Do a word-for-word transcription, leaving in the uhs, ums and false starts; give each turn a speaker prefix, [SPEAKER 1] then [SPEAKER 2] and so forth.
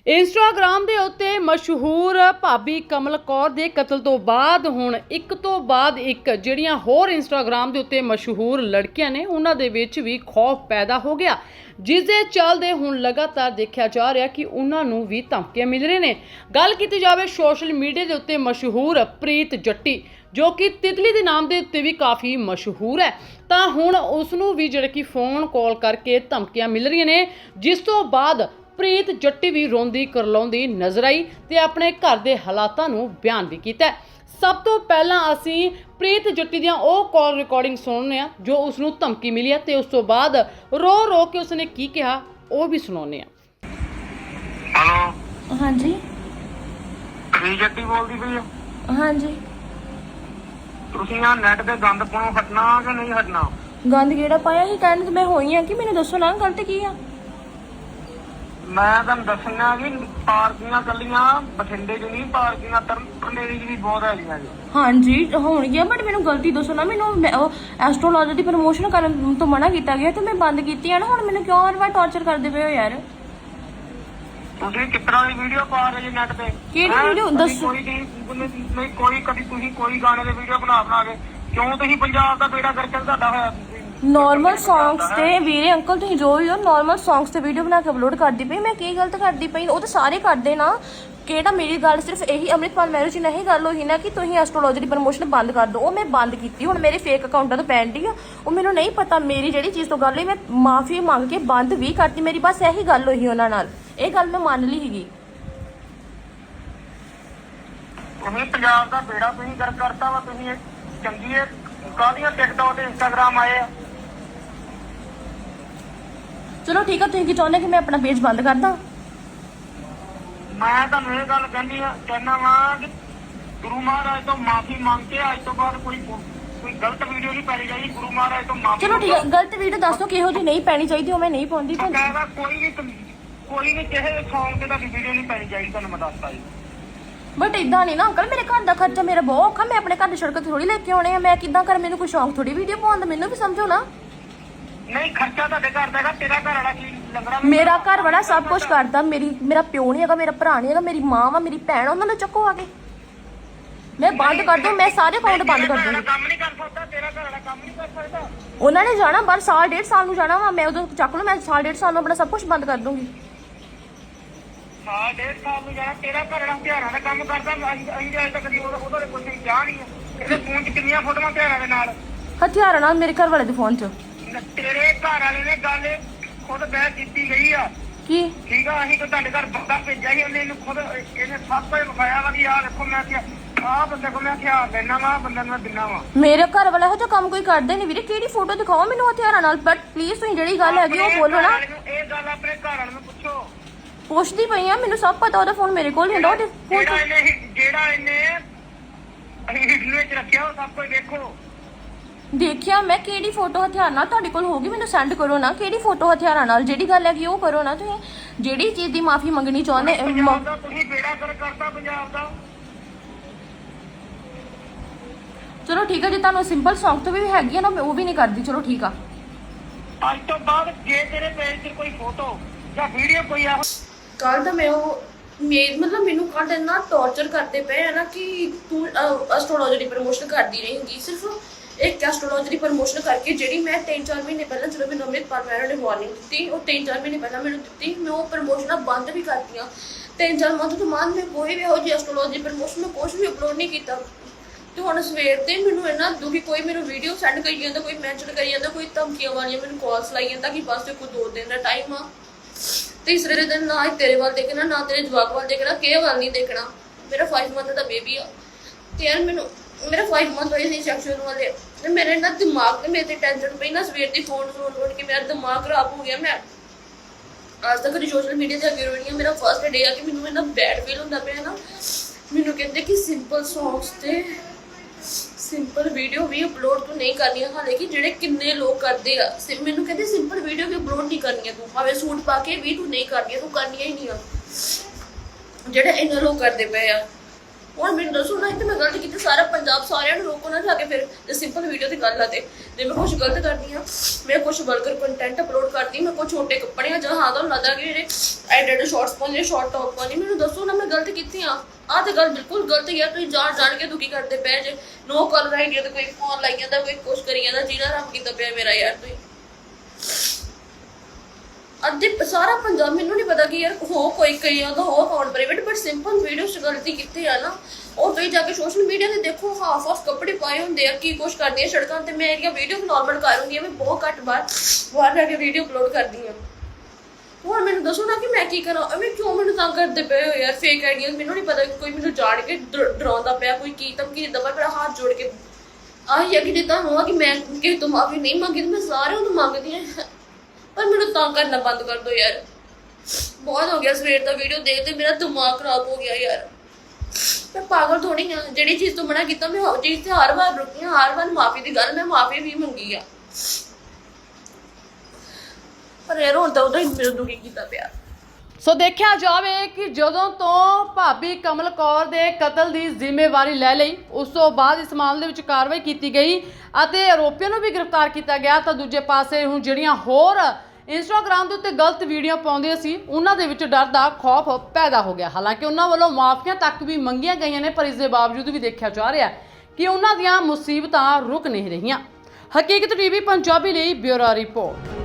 [SPEAKER 1] Instagram ਦੇ ਉੱਤੇ ਮਸ਼ਹੂਰ ਭਾਬੀ ਕਮਲ ਕੌਰ ਦੇ ਕਤਲ ਤੋਂ ਬਾਅਦ ਹੁਣ ਇੱਕ ਤੋਂ ਬਾਅਦ ਇੱਕ ਜਿਹੜੀਆਂ ਹੋਰ ਇੰਸਟਾਗ੍ਰਾਮ ਦੇ ਉੱਤੇ ਮਸ਼ਹੂਰ ਲੜਕੀਆਂ ਨੇ ਉਹਨਾਂ ਦੇ ਵਿੱਚ ਵੀ ਖੌਫ ਪੈਦਾ ਹੋ ਗਿਆ, ਜਿਸ ਦੇ ਚੱਲਦੇ ਹੁਣ ਲਗਾਤਾਰ ਦੇਖਿਆ ਜਾ ਰਿਹਾ ਕਿ ਉਹਨਾਂ ਨੂੰ ਵੀ ਧਮਕੀਆਂ ਮਿਲ ਰਹੀਆਂ ਨੇ। ਗੱਲ ਕੀਤੀ ਜਾਵੇ ਸੋਸ਼ਲ ਮੀਡੀਆ ਦੇ ਉੱਤੇ ਮਸ਼ਹੂਰ ਪ੍ਰੀਤ ਜੱਟੀ, ਜੋ ਕਿ ਤਿਤਲੀ ਦੇ ਨਾਮ ਦੇ ਉੱਤੇ ਵੀ ਕਾਫੀ ਮਸ਼ਹੂਰ ਹੈ, ਤਾਂ ਹੁਣ ਉਸ ਨੂੰ ਵੀ ਜਿਹੜਾ ਕਿ ਫੋਨ ਕਾਲ ਕਰਕੇ ਧਮਕੀਆਂ ਮਿਲ ਰਹੀਆਂ ਨੇ, ਜਿਸ ਤੋਂ ਬਾਅਦ ਪ੍ਰੀਤ ਜੱਟੀ ਵੀ ਰੋਂਦੀ ਕਰਲਾਉਂਦੀ ਨਜ਼ਰ ਆਈ ਤੇ ਆਪਣੇ ਘਰ ਦੇ ਹਾਲਾਤਾਂ ਨੂੰ ਬਿਆਨ ਵੀ ਕੀਤਾ। ਸਭ ਤੋਂ ਪਹਿਲਾਂ ਅਸੀਂ ਪ੍ਰੀਤ ਜੱਟੀ ਦੀਆਂ ਉਹ ਕਾਲ ਰਿਕਾਰਡਿੰਗ ਸੁਣਨੇ ਆ ਜੋ ਉਸ ਨੂੰ ਧਮਕੀ ਮਿਲੀ ਹੈ ਤੇ ਉਸ ਤੋਂ ਬਾਅਦ ਰੋ ਰੋ ਕੇ ਉਸਨੇ ਕੀ ਕਿਹਾ ਉਹ ਵੀ ਸੁਣਾਉਂਦੇ ਆ।
[SPEAKER 2] ਹੈਲੋ,
[SPEAKER 3] ਹਾਂਜੀ
[SPEAKER 2] ਪ੍ਰੀਤ ਜੱਟੀ ਬੋਲਦੀ ਪਈ ਹੋ?
[SPEAKER 3] ਹਾਂਜੀ।
[SPEAKER 2] ਤੁਸੀਂ ਆ ਨੈਟ ਤੇ ਗੰਦ ਪਾਉਣੋਂ ਹਟਣਾ ਕਿ ਨਹੀਂ ਹਟਣਾ?
[SPEAKER 3] ਗੰਦ ਕਿਹੜਾ ਪਾਇਆ ਸੀ? ਕਹਿਣ ਤੇ ਮੈਂ ਹੋਈ ਆ ਕਿ ਮੈਨੂੰ ਦੱਸੋ ਨਾ ਗਲਤ ਕੀ ਆ।
[SPEAKER 2] ਮੈਂ ਤੁਹਾਨੂੰ ਦੱਸਣਾ ਕਿ ਪਾਰਕੀਆਂ ਕੱਲੀਆਂ ਬਠਿੰਡੇ 'ਚ ਨਹੀਂ, ਪਾਰਕੀਆਂ ਤਰਨਤਾਰਨ 'ਚ ਵੀ ਬਹੁਤ ਹੈਗੀਆਂ ਜੀ।
[SPEAKER 3] ਹਾਂਜੀ ਹੋਣਗੀਆਂ, ਬਟ ਮੈਨੂੰ ਗਲਤੀ ਦੱਸੋ ਨਾ। ਮੈਨੂੰ ਐਸਟ੍ਰੋਲੋਜੀ ਦੀ ਪ੍ਰਮੋਸ਼ਨ ਕਰਨ ਤੋਂ ਮਨਾ ਕੀਤਾ ਗਿਆ ਤੇ ਮੈਂ ਬੰਦ ਕੀਤੀ ਆ ਨਾ। ਹੁਣ ਮੈਨੂੰ ਕਿਉਂ ਹਰ ਵਾਰ ਟੌਰਚਰ ਕਰਦੇ ਪਏ ਹੋ ਯਾਰ?
[SPEAKER 2] ਤੁਸੀਂ ਕਿਸ ਤਰ੍ਹਾਂ ਦੀ ਵੀਡੀਓ ਪਾ ਰਹੇ ਜੀ ਨੈਟ ਤੇ?
[SPEAKER 3] ਕਿਹੜੀ ਵੀਡੀਓ ਦੱਸੋ?
[SPEAKER 2] ਕੋਈ ਨਹੀਂ, ਕੋਈ ਕਦੀ ਤੁਸੀਂ ਕੋਈ ਗਾਣੇ ਦੀ ਵੀਡੀਓ ਬਣਾ ਬਣਾ ਕੇ ਕਿਉਂ ਤੁਸੀਂ ਪੰਜਾਬ ਦਾ ਬੇੜਾ ਕਰਕੇ ਤੁਹਾਡਾ ਹੋਇਆ?
[SPEAKER 3] ਨੋਰਮਲ ਸੌਂਗਸ ਤੇ ਵੀਰੇ ਅੰਕਲ ਤੁਸੀਂ ਜੋ ਵੀ ਹੋ ਨੋਰਮਲ ਸੌਂਗਸ ਤੇ ਵੀਡੀਓ ਬਣਾ ਕੇ ਅਪਲੋਡ ਕਰਦੀ ਪਈ। ਮੈਂ ਕੀ ਗਲਤ ਕਰਦੀ ਪਈ? ਉਹ ਤਾਂ ਸਾਰੇ ਕਰਦੇ ਨਾ। ਕਿਹੜਾ ਮੇਰੀ ਗੱਲ ਸਿਰਫ ਇਹੀ ਅੰਮ੍ਰਿਤਪਾਲ ਮੈਰਿਜ ਚ ਨਹੀਂ ਗੱਲ ਹੋਈ ਨਾ ਕਿ ਤੁਸੀਂ ਐਸਟ੍ਰੋਲੋਜੀ ਦੀ ਪ੍ਰਮੋਸ਼ਨ ਬੰਦ ਕਰ ਦਿਓ। ਉਹ ਮੈਂ ਬੰਦ ਕੀਤੀ। ਹੁਣ ਮੇਰੇ ਫੇਕ ਅਕਾਊਂਟਾਂ ਤੋਂ ਪੈਂਦੀ ਆ, ਉਹ ਮੈਨੂੰ ਨਹੀਂ ਪਤਾ ਮੇਰੀ ਜਿਹੜੀ ਚੀਜ਼ ਤੋਂ ਗੱਲ ਹੋਈ। ਮੈਂ ਮਾਫੀ ਮੰਗ ਕੇ ਬੰਦ ਵੀ ਕਰਤੀ। ਮੇਰੀ ਬਸ ਇਹੀ ਗੱਲ ਹੋਈ ਉਹਨਾਂ ਨਾਲ, ਇਹ ਗੱਲ ਮੈਂ ਮੰਨ ਲਈ ਸੀਗੀ।
[SPEAKER 2] ਤੁਸੀਂ ਪੰਜਾਬ ਦਾ ਬੇੜਾ ਤੁਸੀਂ ਕਰ ਕਰਤਾ ਵਾ। ਤੁਸੀਂ ਚੰਗੀ ਹੈ ਕਾਹਦੀਆਂ ਟਿਕਟੌਕ ਤੇ ਇੰਸਟਾਗ੍ਰਾਮ ਆਏ ਆ?
[SPEAKER 3] ਚਲੋ ਠੀਕ ਆ, ਤੁਸੀਂ ਕੀ ਚਾਹੁੰਦੇ ਕਿ ਮੈਂ ਆਪਣਾ ਪੇਜ ਬੰਦ ਕਰ ਦਾਂ?
[SPEAKER 2] ਮੈਂ ਤੁਹਾਨੂੰ ਇਹ ਗੱਲ ਕਹਿੰਦੀ ਆ ਕਹਿਣਾ ਵਾ ਕਿ ਗੁਰੂ ਮਹਾਰਾਜ ਤੋਂ ਮਾਫੀ ਮੰਗ ਕੇ ਅੱਜ ਤੋਂ ਬਾਅਦ ਕੋਈ ਕੋਈ ਗਲਤ ਵੀਡੀਓ ਨਹੀਂ ਪਾਈ ਜਾਈ। ਗੁਰੂ ਮਹਾਰਾਜ ਤੋਂ ਮਾਫੀ।
[SPEAKER 3] ਚਲੋ ਠੀਕ ਆ, ਗਲਤ ਵੀਡੀਓ ਦੱਸੋ ਕਿਹੋ ਜਿਹੀ ਨਹੀਂ ਪੈਣੀ ਚਾਹੀਦੀ, ਉਹ ਮੈਂ ਨਹੀਂ ਪਾਉਂਦੀ।
[SPEAKER 2] ਕਹਿੰਦਾ ਕੋਈ ਵੀ ਕੋਈ ਵੀ ਕਿਸੇ ਸੌਂਗ ਤੇ ਤੁਹਾਡੀ ਵੀਡੀਓ ਨਹੀਂ ਪਾਈ ਜਾਈ, ਤੁਹਾਨੂੰ ਮੈਂ ਦੱਸਦਾ ਜੀ।
[SPEAKER 3] ਬਟ ਇਦਾਂ ਨਹੀਂ ਨਾ ਅੰਕਲ, ਮੇਰੇ ਘਰ ਦਾ ਖਰਚਾ ਮੇਰਾ ਬਹੁਤ ਔਖਾ। ਮੈਂ ਆਪਣੇ ਘਰ ਦੀ ਸੜਕ ਤੇ ਥੋੜੀ ਲੈ ਕੇ ਆਉਣੇ ਆ। ਮੈਂ ਕਿੱਦਾਂ ਕਰ? ਮੈਨੂੰ ਕੋਈ ਸ਼ੌਂਕ ਥੋੜੀ ਵੀਡੀਓ ਪਾਉਣ ਦਾ, ਮੈਨੂੰ ਵੀ ਸਮਝੋ ਨਾ।
[SPEAKER 2] ਨਹੀਂ, ਖਰਚਾ ਤੁਹਾਡੇ ਘਰ ਦਾ ਹੈਗਾ, ਤੇਰਾ ਘਰ ਵਾਲਾ ਕੀ ਲੰਗੜਾ?
[SPEAKER 3] ਮੇਰਾ ਘਰ ਵਾਲਾ ਸਭ ਕੁਝ ਕਰਦਾ। ਮੇਰੀ ਮੇਰਾ ਪਿਓ ਨਹੀਂ ਹੈਗਾ, ਮੇਰਾ ਭਰਾ ਨਹੀਂ ਹੈਗਾ, ਮੇਰੀ ਮਾਂ ਵਾ, ਮੇਰੀ ਭੈਣ, ਉਹਨਾਂ ਨੂੰ ਚੱਕੋ ਆ ਕੇ। ਮੈਂ ਬੰਦ ਕਰ ਦੂੰ, ਮੈਂ ਸਾਰੇ ਅਕਾਊਂਟ ਬੰਦ ਕਰ ਦੂੰਗੀ।
[SPEAKER 2] ਕੰਮ ਨਹੀਂ ਕਰ ਸਕਦਾ ਤੇਰਾ ਘਰ ਵਾਲਾ, ਕੰਮ ਨਹੀਂ ਕਰ ਸਕਦਾ।
[SPEAKER 3] ਉਹਨਾਂ ਨੇ ਜਾਣਾ ਬਾਹਰ, ਸਾਲ ਡੇਢ ਸਾਲ ਨੂੰ ਜਾਣਾ ਵਾ। ਮੈਂ ਉਦੋਂ ਚੱਕ ਲੂ, ਮੈਂ ਸਾਲ ਡੇਢ ਸਾਲ ਨੂੰ ਆਪਣਾ ਸਭ ਕੁਝ ਬੰਦ ਕਰ ਦੂੰਗੀ।
[SPEAKER 2] ਸਾਲ ਡੇਢ ਸਾਲ ਨੂੰ ਜਾਣਾ? ਤੇਰਾ ਘਰ ਵਾਲਾ ਹਥਿਆਰਾਂ ਦਾ ਕੰਮ ਕਰਦਾ। ਅਸੀਂ ਅਸੀਂ ਅਜੇ ਤੱਕ ਉਹਦਾ ਕੋਈ ਚਾਹ ਨਹੀਂ ਹੈ। ਇਹਦੇ ਫੋਨ 'ਚ ਕਿੰਨੀਆਂ ਫੋਟੋਆਂ ਹਥਿਆਰਾਂ ਦੇ ਨਾਲ?
[SPEAKER 3] ਹਥਿਆਰਾਂ ਨਾਲ ਮੇਰੇ ਘਰ ਵਾਲੇ ਦੇ ਫੋਨ 'ਚ।
[SPEAKER 2] ਤੇਰੇ ਘਰ ਵਾਲੇ ਨੇ ਗੱਲ ਖੁਦ ਬਹਿ ਕੀਤੀ ਗਈ ਆ।
[SPEAKER 3] ਕੀ
[SPEAKER 2] ਠੀਕ ਆ? ਅਸੀਂ ਤਾਂ ਤੁਹਾਡੇ ਘਰ ਬੰਦਾ ਭੇਜਿਆ ਸੀ, ਉਹਨੇ ਇਹਨੂੰ ਖੁਦ ਇਹਨੇ ਸਭ ਕੁਝ ਵਿਖਾਇਆ ਵਾ ਕਿ ਆਹ ਦੇਖੋ ਮੈਂ ਕਿਹਾ ਆਹ ਬੰਦੇ ਕੋਲ ਮੈਂ ਹਥਿਆਰ ਲੈਣਾ ਵਾ, ਬੰਦੇ ਨੂੰ ਮੈਂ ਦਿੰਦਾ ਵਾ।
[SPEAKER 3] ਮੇਰੇ ਘਰ ਵਾਲਾ ਇਹੋ ਜਿਹਾ ਕੰਮ ਕੋਈ ਕਰਦੇ ਨਹੀਂ ਵੀਰੇ। ਕਿਹੜੀ ਫੋਟੋ ਦਿਖਾਓ ਮੈਨੂੰ ਹਥਿਆਰਾਂ ਨਾਲ? ਬਟ ਪਲੀਜ਼ ਤੁਸੀਂ ਜਿਹੜੀ ਗੱਲ ਹੈਗੀ ਉਹ ਬੋਲੋ ਨਾ।
[SPEAKER 2] ਇਹ ਗੱਲ ਆਪਣੇ ਘਰ ਵਾਲੇ ਨੂੰ ਪੁੱਛੋ।
[SPEAKER 3] ਪੁੱਛਦੀ ਪਈ ਆ, ਮੈਨੂੰ ਸਭ ਪਤਾ। ਉਹਦਾ ਫੋਨ ਮੇਰੇ ਕੋਲ ਹੀ ਹੁੰਦਾ। ਉਹਦੇ
[SPEAKER 2] ਜਿਹੜਾ ਇਹਨੇ ਜਿਹੜਾ ਇਹਨੇ ਅਸੀਂ ਹਿੱਟੂ ਵਿੱਚ ਰੱਖਿਆ ਉਹ ਸਭ ਕੁਝ ਦੇਖੋ।
[SPEAKER 3] ਦੇਖਿਆ ਮੈਂ। ਕਿਹੜੀ ਫੋਟੋ ਹਥਿਆਰ ਨਾਲ ਤੁਹਾਡੇ ਕੋਲ ਹੋਗੀ ਮੈਨੂੰ ਸੈਂਡ ਕਰੋ ਨਾ। ਕਿਹੜੀ ਫੋਟੋ ਹਥਿਆਰਾਂ ਨਾਲ? ਜਿਹੜੀ ਗੱਲ ਹੈਗੀ ਉਹ ਕਰੋ ਨਾ। ਤੁਸੀਂ ਜਿਹੜੀ ਚੀਜ਼ ਦੀ ਮਾਫੀ ਮੰਗਣੀ ਚਾਹੁੰਦੇ।
[SPEAKER 2] ਪੰਜਾਬ ਦਾ ਤੁਸੀਂ ਬੇੜਾ ਕਰ ਕਰਤਾ ਪੰਜਾਬ ਦਾ।
[SPEAKER 3] ਚਲੋ ਠੀਕ ਹੈ, ਜੇ ਤੁਹਾਨੂੰ ਸਿੰਪਲ ਸੌਂਗ ਤੋਂ ਵੀ ਹੈਗੀ ਆ ਨਾ, ਮੈਂ ਉਹ ਵੀ ਨਹੀਂ ਕਰਦੀ। ਚਲੋ ਠੀਕ ਆ।
[SPEAKER 2] ਅੱਜ ਤੋਂ ਬਾਅਦ ਜੇ ਤੇਰੇ ਪੇਜ ਤੇ ਕੋਈ ਫੋਟੋ ਜਾਂ ਵੀਡੀਓ ਕੋਈ ਆ
[SPEAKER 3] ਕੱਲ ਤਾਂ ਮੈਂ ਉਹ ਮੇਰ ਮਤਲਬ ਮੈਨੂੰ ਕੱਲ ਇੰਨਾ ਟੌਰਚਰ ਕਰਦੇ ਪਏ ਆ ਨਾ ਕਿ ਤੂੰ ਐਸਟ੍ਰੋਲੋਜੀ ਦੀ ਪ੍ਰਮੋਸ਼ਨ ਕਰਦੀ ਰਹੇਂਗੀ। ਸਿਰਫ ਇੱਕ ਐਸਟ੍ਰੋਲੋਜੀ ਦੀ ਪ੍ਰਮੋਸ਼ਨ ਕਰਕੇ ਜਿਹੜੀ ਮੈਂ ਤਿੰਨ ਚਾਰ ਮਹੀਨੇ ਪਹਿਲਾਂ ਜਦੋਂ ਮੈਨੂੰ ਅੰਮ੍ਰਿਤਪਾਲ ਮੈਰਿਜ ਨੇ ਵਾਰਨਿੰਗ ਦਿੱਤੀ, ਉਹ ਤਿੰਨ ਚਾਰ ਮਹੀਨੇ ਪਹਿਲਾਂ ਮੈਨੂੰ ਦਿੱਤੀ। ਮੈਂ ਉਹ ਪ੍ਰਮੋਸ਼ਨਾਂ ਬੰਦ ਵੀ ਕਰਤੀਆਂ। ਤਿੰਨ ਚਾਰ ਮੰਥ ਤੋਂ ਬਾਅਦ ਮੈਂ ਕੋਈ ਵੀ ਇਹੋ ਜਿਹੀ ਐਸਟ੍ਰੋਲੋਜੀ ਪ੍ਰਮੋਸ਼ਨ ਮੈਂ ਕੁਛ ਵੀ ਅਪਲੋਡ ਨਹੀਂ ਕੀਤਾ। ਤੇ ਹੁਣ ਸਵੇਰ ਤੇ ਮੈਨੂੰ ਇੰਨਾ ਦੁਖੀ, ਕੋਈ ਮੈਨੂੰ ਵੀਡੀਓ ਸੈਂਡ ਕਰੀ ਜਾਂਦਾ, ਕੋਈ ਮੈਂਸ਼ਨ ਕਰੀ ਜਾਂਦਾ, ਕੋਈ ਧਮਕੀਆਂ ਵਾਲੀਆਂ ਮੈਨੂੰ ਕਾਲਸ ਲਾਈ ਜਾਂਦਾ ਕਿ ਬਸ ਕੋਈ ਦੋ ਦਿਨ ਦਾ ਟਾਈਮ ਆ। ਤੀਸਰੇ ਦਿਨ ਨਾ ਤੇਰੇ ਵੱਲ ਦੇਖਣਾ, ਨਾ ਤੇਰੇ ਜਵਾਕ ਵੱਲ ਦੇਖਣਾ, ਕਿਸੇ ਵੱਲ ਨਹੀਂ ਦੇਖਣਾ। ਮੇਰਾ ਫਾਈਵ ਮੰਥ ਦਾ ਬੇਬੀ ਆ ਤੇ ਯਾਰ ਮੈਨੂੰ ਮੇਰਾ ਫਾਈਵ ਮੰਥ ਹੋਏ ਸੀ ਸੈਕਸ਼ੂਅਲ ਵਾਲੇ। ਤੇ ਮੇਰੇ ਨਾ ਦਿਮਾਗ ਤੇ ਮੇਰੇ ਤੇ ਟੈਨਸ਼ਨ ਪਈ ਨਾ ਸਵੇਰ ਦੀ ਫੋਨ ਸੁਣ ਸੁਣ ਕੇ ਮੇਰਾ ਦਿਮਾਗ ਖਰਾਬ ਹੋ ਗਿਆ। ਮੈਂ ਅੱਜ ਤੱਕ ਸੋਸ਼ਲ ਮੀਡੀਆ ਤੇ ਅੱਗੇ ਰਹੀ ਹਾਂ। ਮੇਰਾ ਫਸਟ ਡੇ ਆ ਕਿ ਮੈਨੂੰ ਇੰਨਾ ਬੈਡ ਫੀਲ ਹੁੰਦਾ ਪਿਆ ਨਾ। ਮੈਨੂੰ ਕਹਿੰਦੇ ਕਿ ਸਿੰਪਲ ਸੌਂਗਸ ਤੇ ਸਿੰਪਲ ਵੀਡੀਓ ਵੀ ਅਪਲੋਡ ਤੂੰ ਨਹੀਂ ਕਰਨੀ। ਹਾਲੇ ਕਿ ਜਿਹੜੇ ਕਿੰਨੇ ਲੋਕ ਕਰਦੇ ਆ। ਮੈਨੂੰ ਕਹਿੰਦੇ ਸਿੰਪਲ ਵੀਡੀਓ ਵੀ ਅਪਲੋਡ ਨਹੀਂ ਕਰਨੀਆਂ ਤੂੰ, ਭਾਵੇਂ ਸੂਟ ਪਾ ਕੇ ਵੀ ਤੂੰ ਨਹੀਂ ਕਰਨੀਆਂ, ਤੂੰ ਕਰਨੀਆਂ ਹੀ ਨਹੀਂ ਆ ਜਿਹੜੇ ਇੰਨੇ ਲੋਕ ਕਰਦੇ ਪਏ ਆ। ਹੁਣ ਮੈਨੂੰ ਦੱਸੋ ਨਾ ਇੱਥੇ ਮੈਂ ਗਲਤ ਕੀਤੀ, ਸਾਰਾ ਪੰਜਾਬ ਸਾਰਿਆਂ ਨੂੰ ਰੋਕੋ ਨਾ ਜਾ ਕੇ ਫਿਰ ਤੇ ਸਿੰਪਲ ਵੀਡੀਓ ਦੀ ਗੱਲ ਆ ਤੇ ਜੇ ਮੈਂ ਕੁਝ ਗਲਤ ਕਰਦੀ ਆ, ਮੈਂ ਕੁਝ ਵਲਗਰ ਕੰਟੈਂਟ ਅਪਲੋਡ ਕਰਦੀ, ਮੈਂ ਕੁਝ ਛੋਟੇ ਕੱਪੜੇ ਆ ਜਾਂ ਹਾਂ ਤੁਹਾਨੂੰ ਲੱਗਦਾ ਕਿ ਜਿਹੜੇ ਐਡਿਟ ਸ਼ਾਰਟਸ ਪਾਉਂਦੇ ਸ਼ਾਰਟ ਟੌਪ ਪਾਉਂਦੇ, ਮੈਨੂੰ ਦੱਸੋ ਨਾ ਮੈਂ ਗਲਤ ਕੀਤੀ ਆ। ਆਹ ਤੇ ਗੱਲ ਬਿਲਕੁਲ ਗਲਤ ਹੀ ਆ, ਤੁਸੀਂ ਜਾਣ ਜਾਣ ਕੇ ਦੁਖੀ ਕਰਦੇ ਪਏ ਜੇ। ਨੋ ਕਲਰ ਆਈਡੀਆ ਤੇ ਕੋਈ ਫੋਨ ਲਾਈ ਜਾਂਦਾ, ਕੋਈ ਕੁਛ ਕਰੀ ਜਾਂਦਾ, ਜਿਹਦਾ ਰੰਗ ਕੀਤਾ ਪਿਆ ਮੇਰਾ ਯਾਰ। ਤੁਸੀਂ ਅੱਧੇ ਸਾਰਾ ਪੰਜਾਬ, ਮੈਨੂੰ ਨਹੀਂ ਪਤਾ ਕਿ ਯਾਰ ਹੋ ਕੋਈ ਕਈਆਂ ਦਾ ਹੋ account private, but simple video 'ਚ ਗਲਤੀ ਕੀਤੀ ਆ ਨਾ। ਉਹ ਤੁਸੀਂ ਜਾ ਕੇ ਸੋਸ਼ਲ ਮੀਡੀਆ ਤੇ ਦੇਖੋ, ਹਾਫ ਹਾਫ ਕੱਪੜੇ ਪਾਏ ਹੁੰਦੇ ਆ, ਕੀ ਕੁਛ ਕਰਦੀ ਆ ਸੜਕਾਂ ਤੇ। ਮੈਂ ਇਹਦੀਆਂ ਵੀਡੀਓ ਨੋਰਮਲ ਕਰ ਹੁੰਦੀ ਆ, ਮੈਂ ਬਹੁਤ ਘੱਟ ਬਾਹਰ ਬਾਹਰ ਜਾ ਕੇ ਵੀਡੀਓ ਅਪਲੋਡ ਕਰਦੀ ਆ। ਹੁਣ ਮੈਨੂੰ ਦੱਸੋ ਨਾ ਕਿ ਮੈਂ ਕੀ ਕਰਾਂ, ਐਵੇਂ ਕਿਉਂ ਮੈਨੂੰ ਤੰਗ ਕਰਦੇ ਪਏ ਹੋ ਯਾਰ ਫੇਕ ਆਈਡੀਆ। ਮੈਨੂੰ ਨਹੀਂ ਪਤਾ ਕੋਈ ਮੈਨੂੰ ਜਾਣ ਕੇ ਡਰਾਉਂਦਾ ਪਿਆ, ਕੋਈ ਕੀ ਧਮਕੀ ਦਿੰਦਾ ਪਿਆ। ਮੇਰਾ ਹੱਥ ਜੋੜ ਕੇ ਆਹੀ ਆ ਕਿ ਜੇ ਤੁਹਾਨੂੰ ਆ ਕਿ ਮੈਂ ਕਿਸੇ ਤੋਂ ਮਾਫੀ ਨਹੀਂ ਮੰਗੀ, ਮੈਂ ਸਾਰਿਆਂ ਨੂੰ ਮੰਗਦੀ ਹਾਂ, ਪਰ ਮੈਨੂੰ ਤੰਗ ਕਰਨਾ ਬੰਦ ਕਰ ਦਿਓ ਯਾਰ। ਬਹੁਤ ਹੋ ਗਿਆ ਸਵੇਰ ਦਾ ਵੀਡੀਓ ਦੇਖਦੇ ਮੇਰਾ ਦਿਮਾਗ ਖਰਾਬ ਹੋ ਗਿਆ ਯਾਰ। ਮੈਂ ਪਾਗਲ ਥੋੜੀ ਹਾਂ, ਜਿਹੜੀ ਚੀਜ਼ ਤੋਂ ਮਨਾ ਕੀਤਾ ਮੈਂ ਉਹ ਚੀਜ਼ ਤੇ ਹਰ ਵਾਰ ਰੁਕੀ ਹਾਂ, ਹਰ ਵਾਰ ਮਾਫੀ ਦੀ ਗੱਲ ਮੈਂ ਮਾਫੀ ਵੀ ਮੰਗੀ ਆ, ਪਰ ਯਾਰ ਹੁਣ ਤਾਂ ਉਹਦਾ ਹੀ ਮੈਨੂੰ ਦੁਖੀ ਕੀਤਾ ਪਿਆ।
[SPEAKER 1] ਸੋ ਦੇਖਿਆ ਜਾਵੇ ਕਿ ਜਦੋਂ ਤੋਂ ਭਾਬੀ ਕਮਲ ਕੌਰ ਦੇ ਕਤਲ ਦੀ ਜ਼ਿੰਮੇਵਾਰੀ ਲੈ ਲਈ, ਉਸ ਤੋਂ ਬਾਅਦ ਇਸ ਮਾਮਲੇ ਵਿੱਚ ਕਾਰਵਾਈ ਕੀਤੀ ਗਈ ਅਤੇ ਆਰੋਪੀਆਂ ਨੂੰ ਵੀ ਗ੍ਰਿਫਤਾਰ ਕੀਤਾ ਗਿਆ, ਤਾਂ ਦੂਜੇ ਪਾਸੇ ਹੁਣ ਜਿਹੜੀਆਂ ਹੋਰ ਇੰਸਟਾਗ੍ਰਾਮ ਦੇ ਉੱਤੇ ਗਲਤ ਵੀਡੀਓ ਪਾਉਂਦੇ ਸੀ, ਉਹਨਾਂ ਦੇ ਵਿੱਚ ਡਰ ਦਾ ਖੌਫ ਪੈਦਾ ਹੋ ਗਿਆ। ਹਾਲਾਂਕਿ ਉਹਨਾਂ ਵੱਲੋਂ ਮਾਫੀਆਂ ਤੱਕ ਵੀ ਮੰਗੀਆਂ ਗਈਆਂ ਨੇ, ਪਰ ਇਸ ਦੇ ਬਾਵਜੂਦ ਵੀ ਦੇਖਿਆ ਜਾ ਰਿਹਾ ਕਿ ਉਹਨਾਂ ਦੀਆਂ ਮੁਸੀਬਤਾਂ ਰੁਕ ਨਹੀਂ ਰਹੀਆਂ। ਹਕੀਕਤ ਟੀਵੀ ਪੰਜਾਬੀ ਲਈ ਬਿਊਰੋ ਰਿਪੋਰਟ।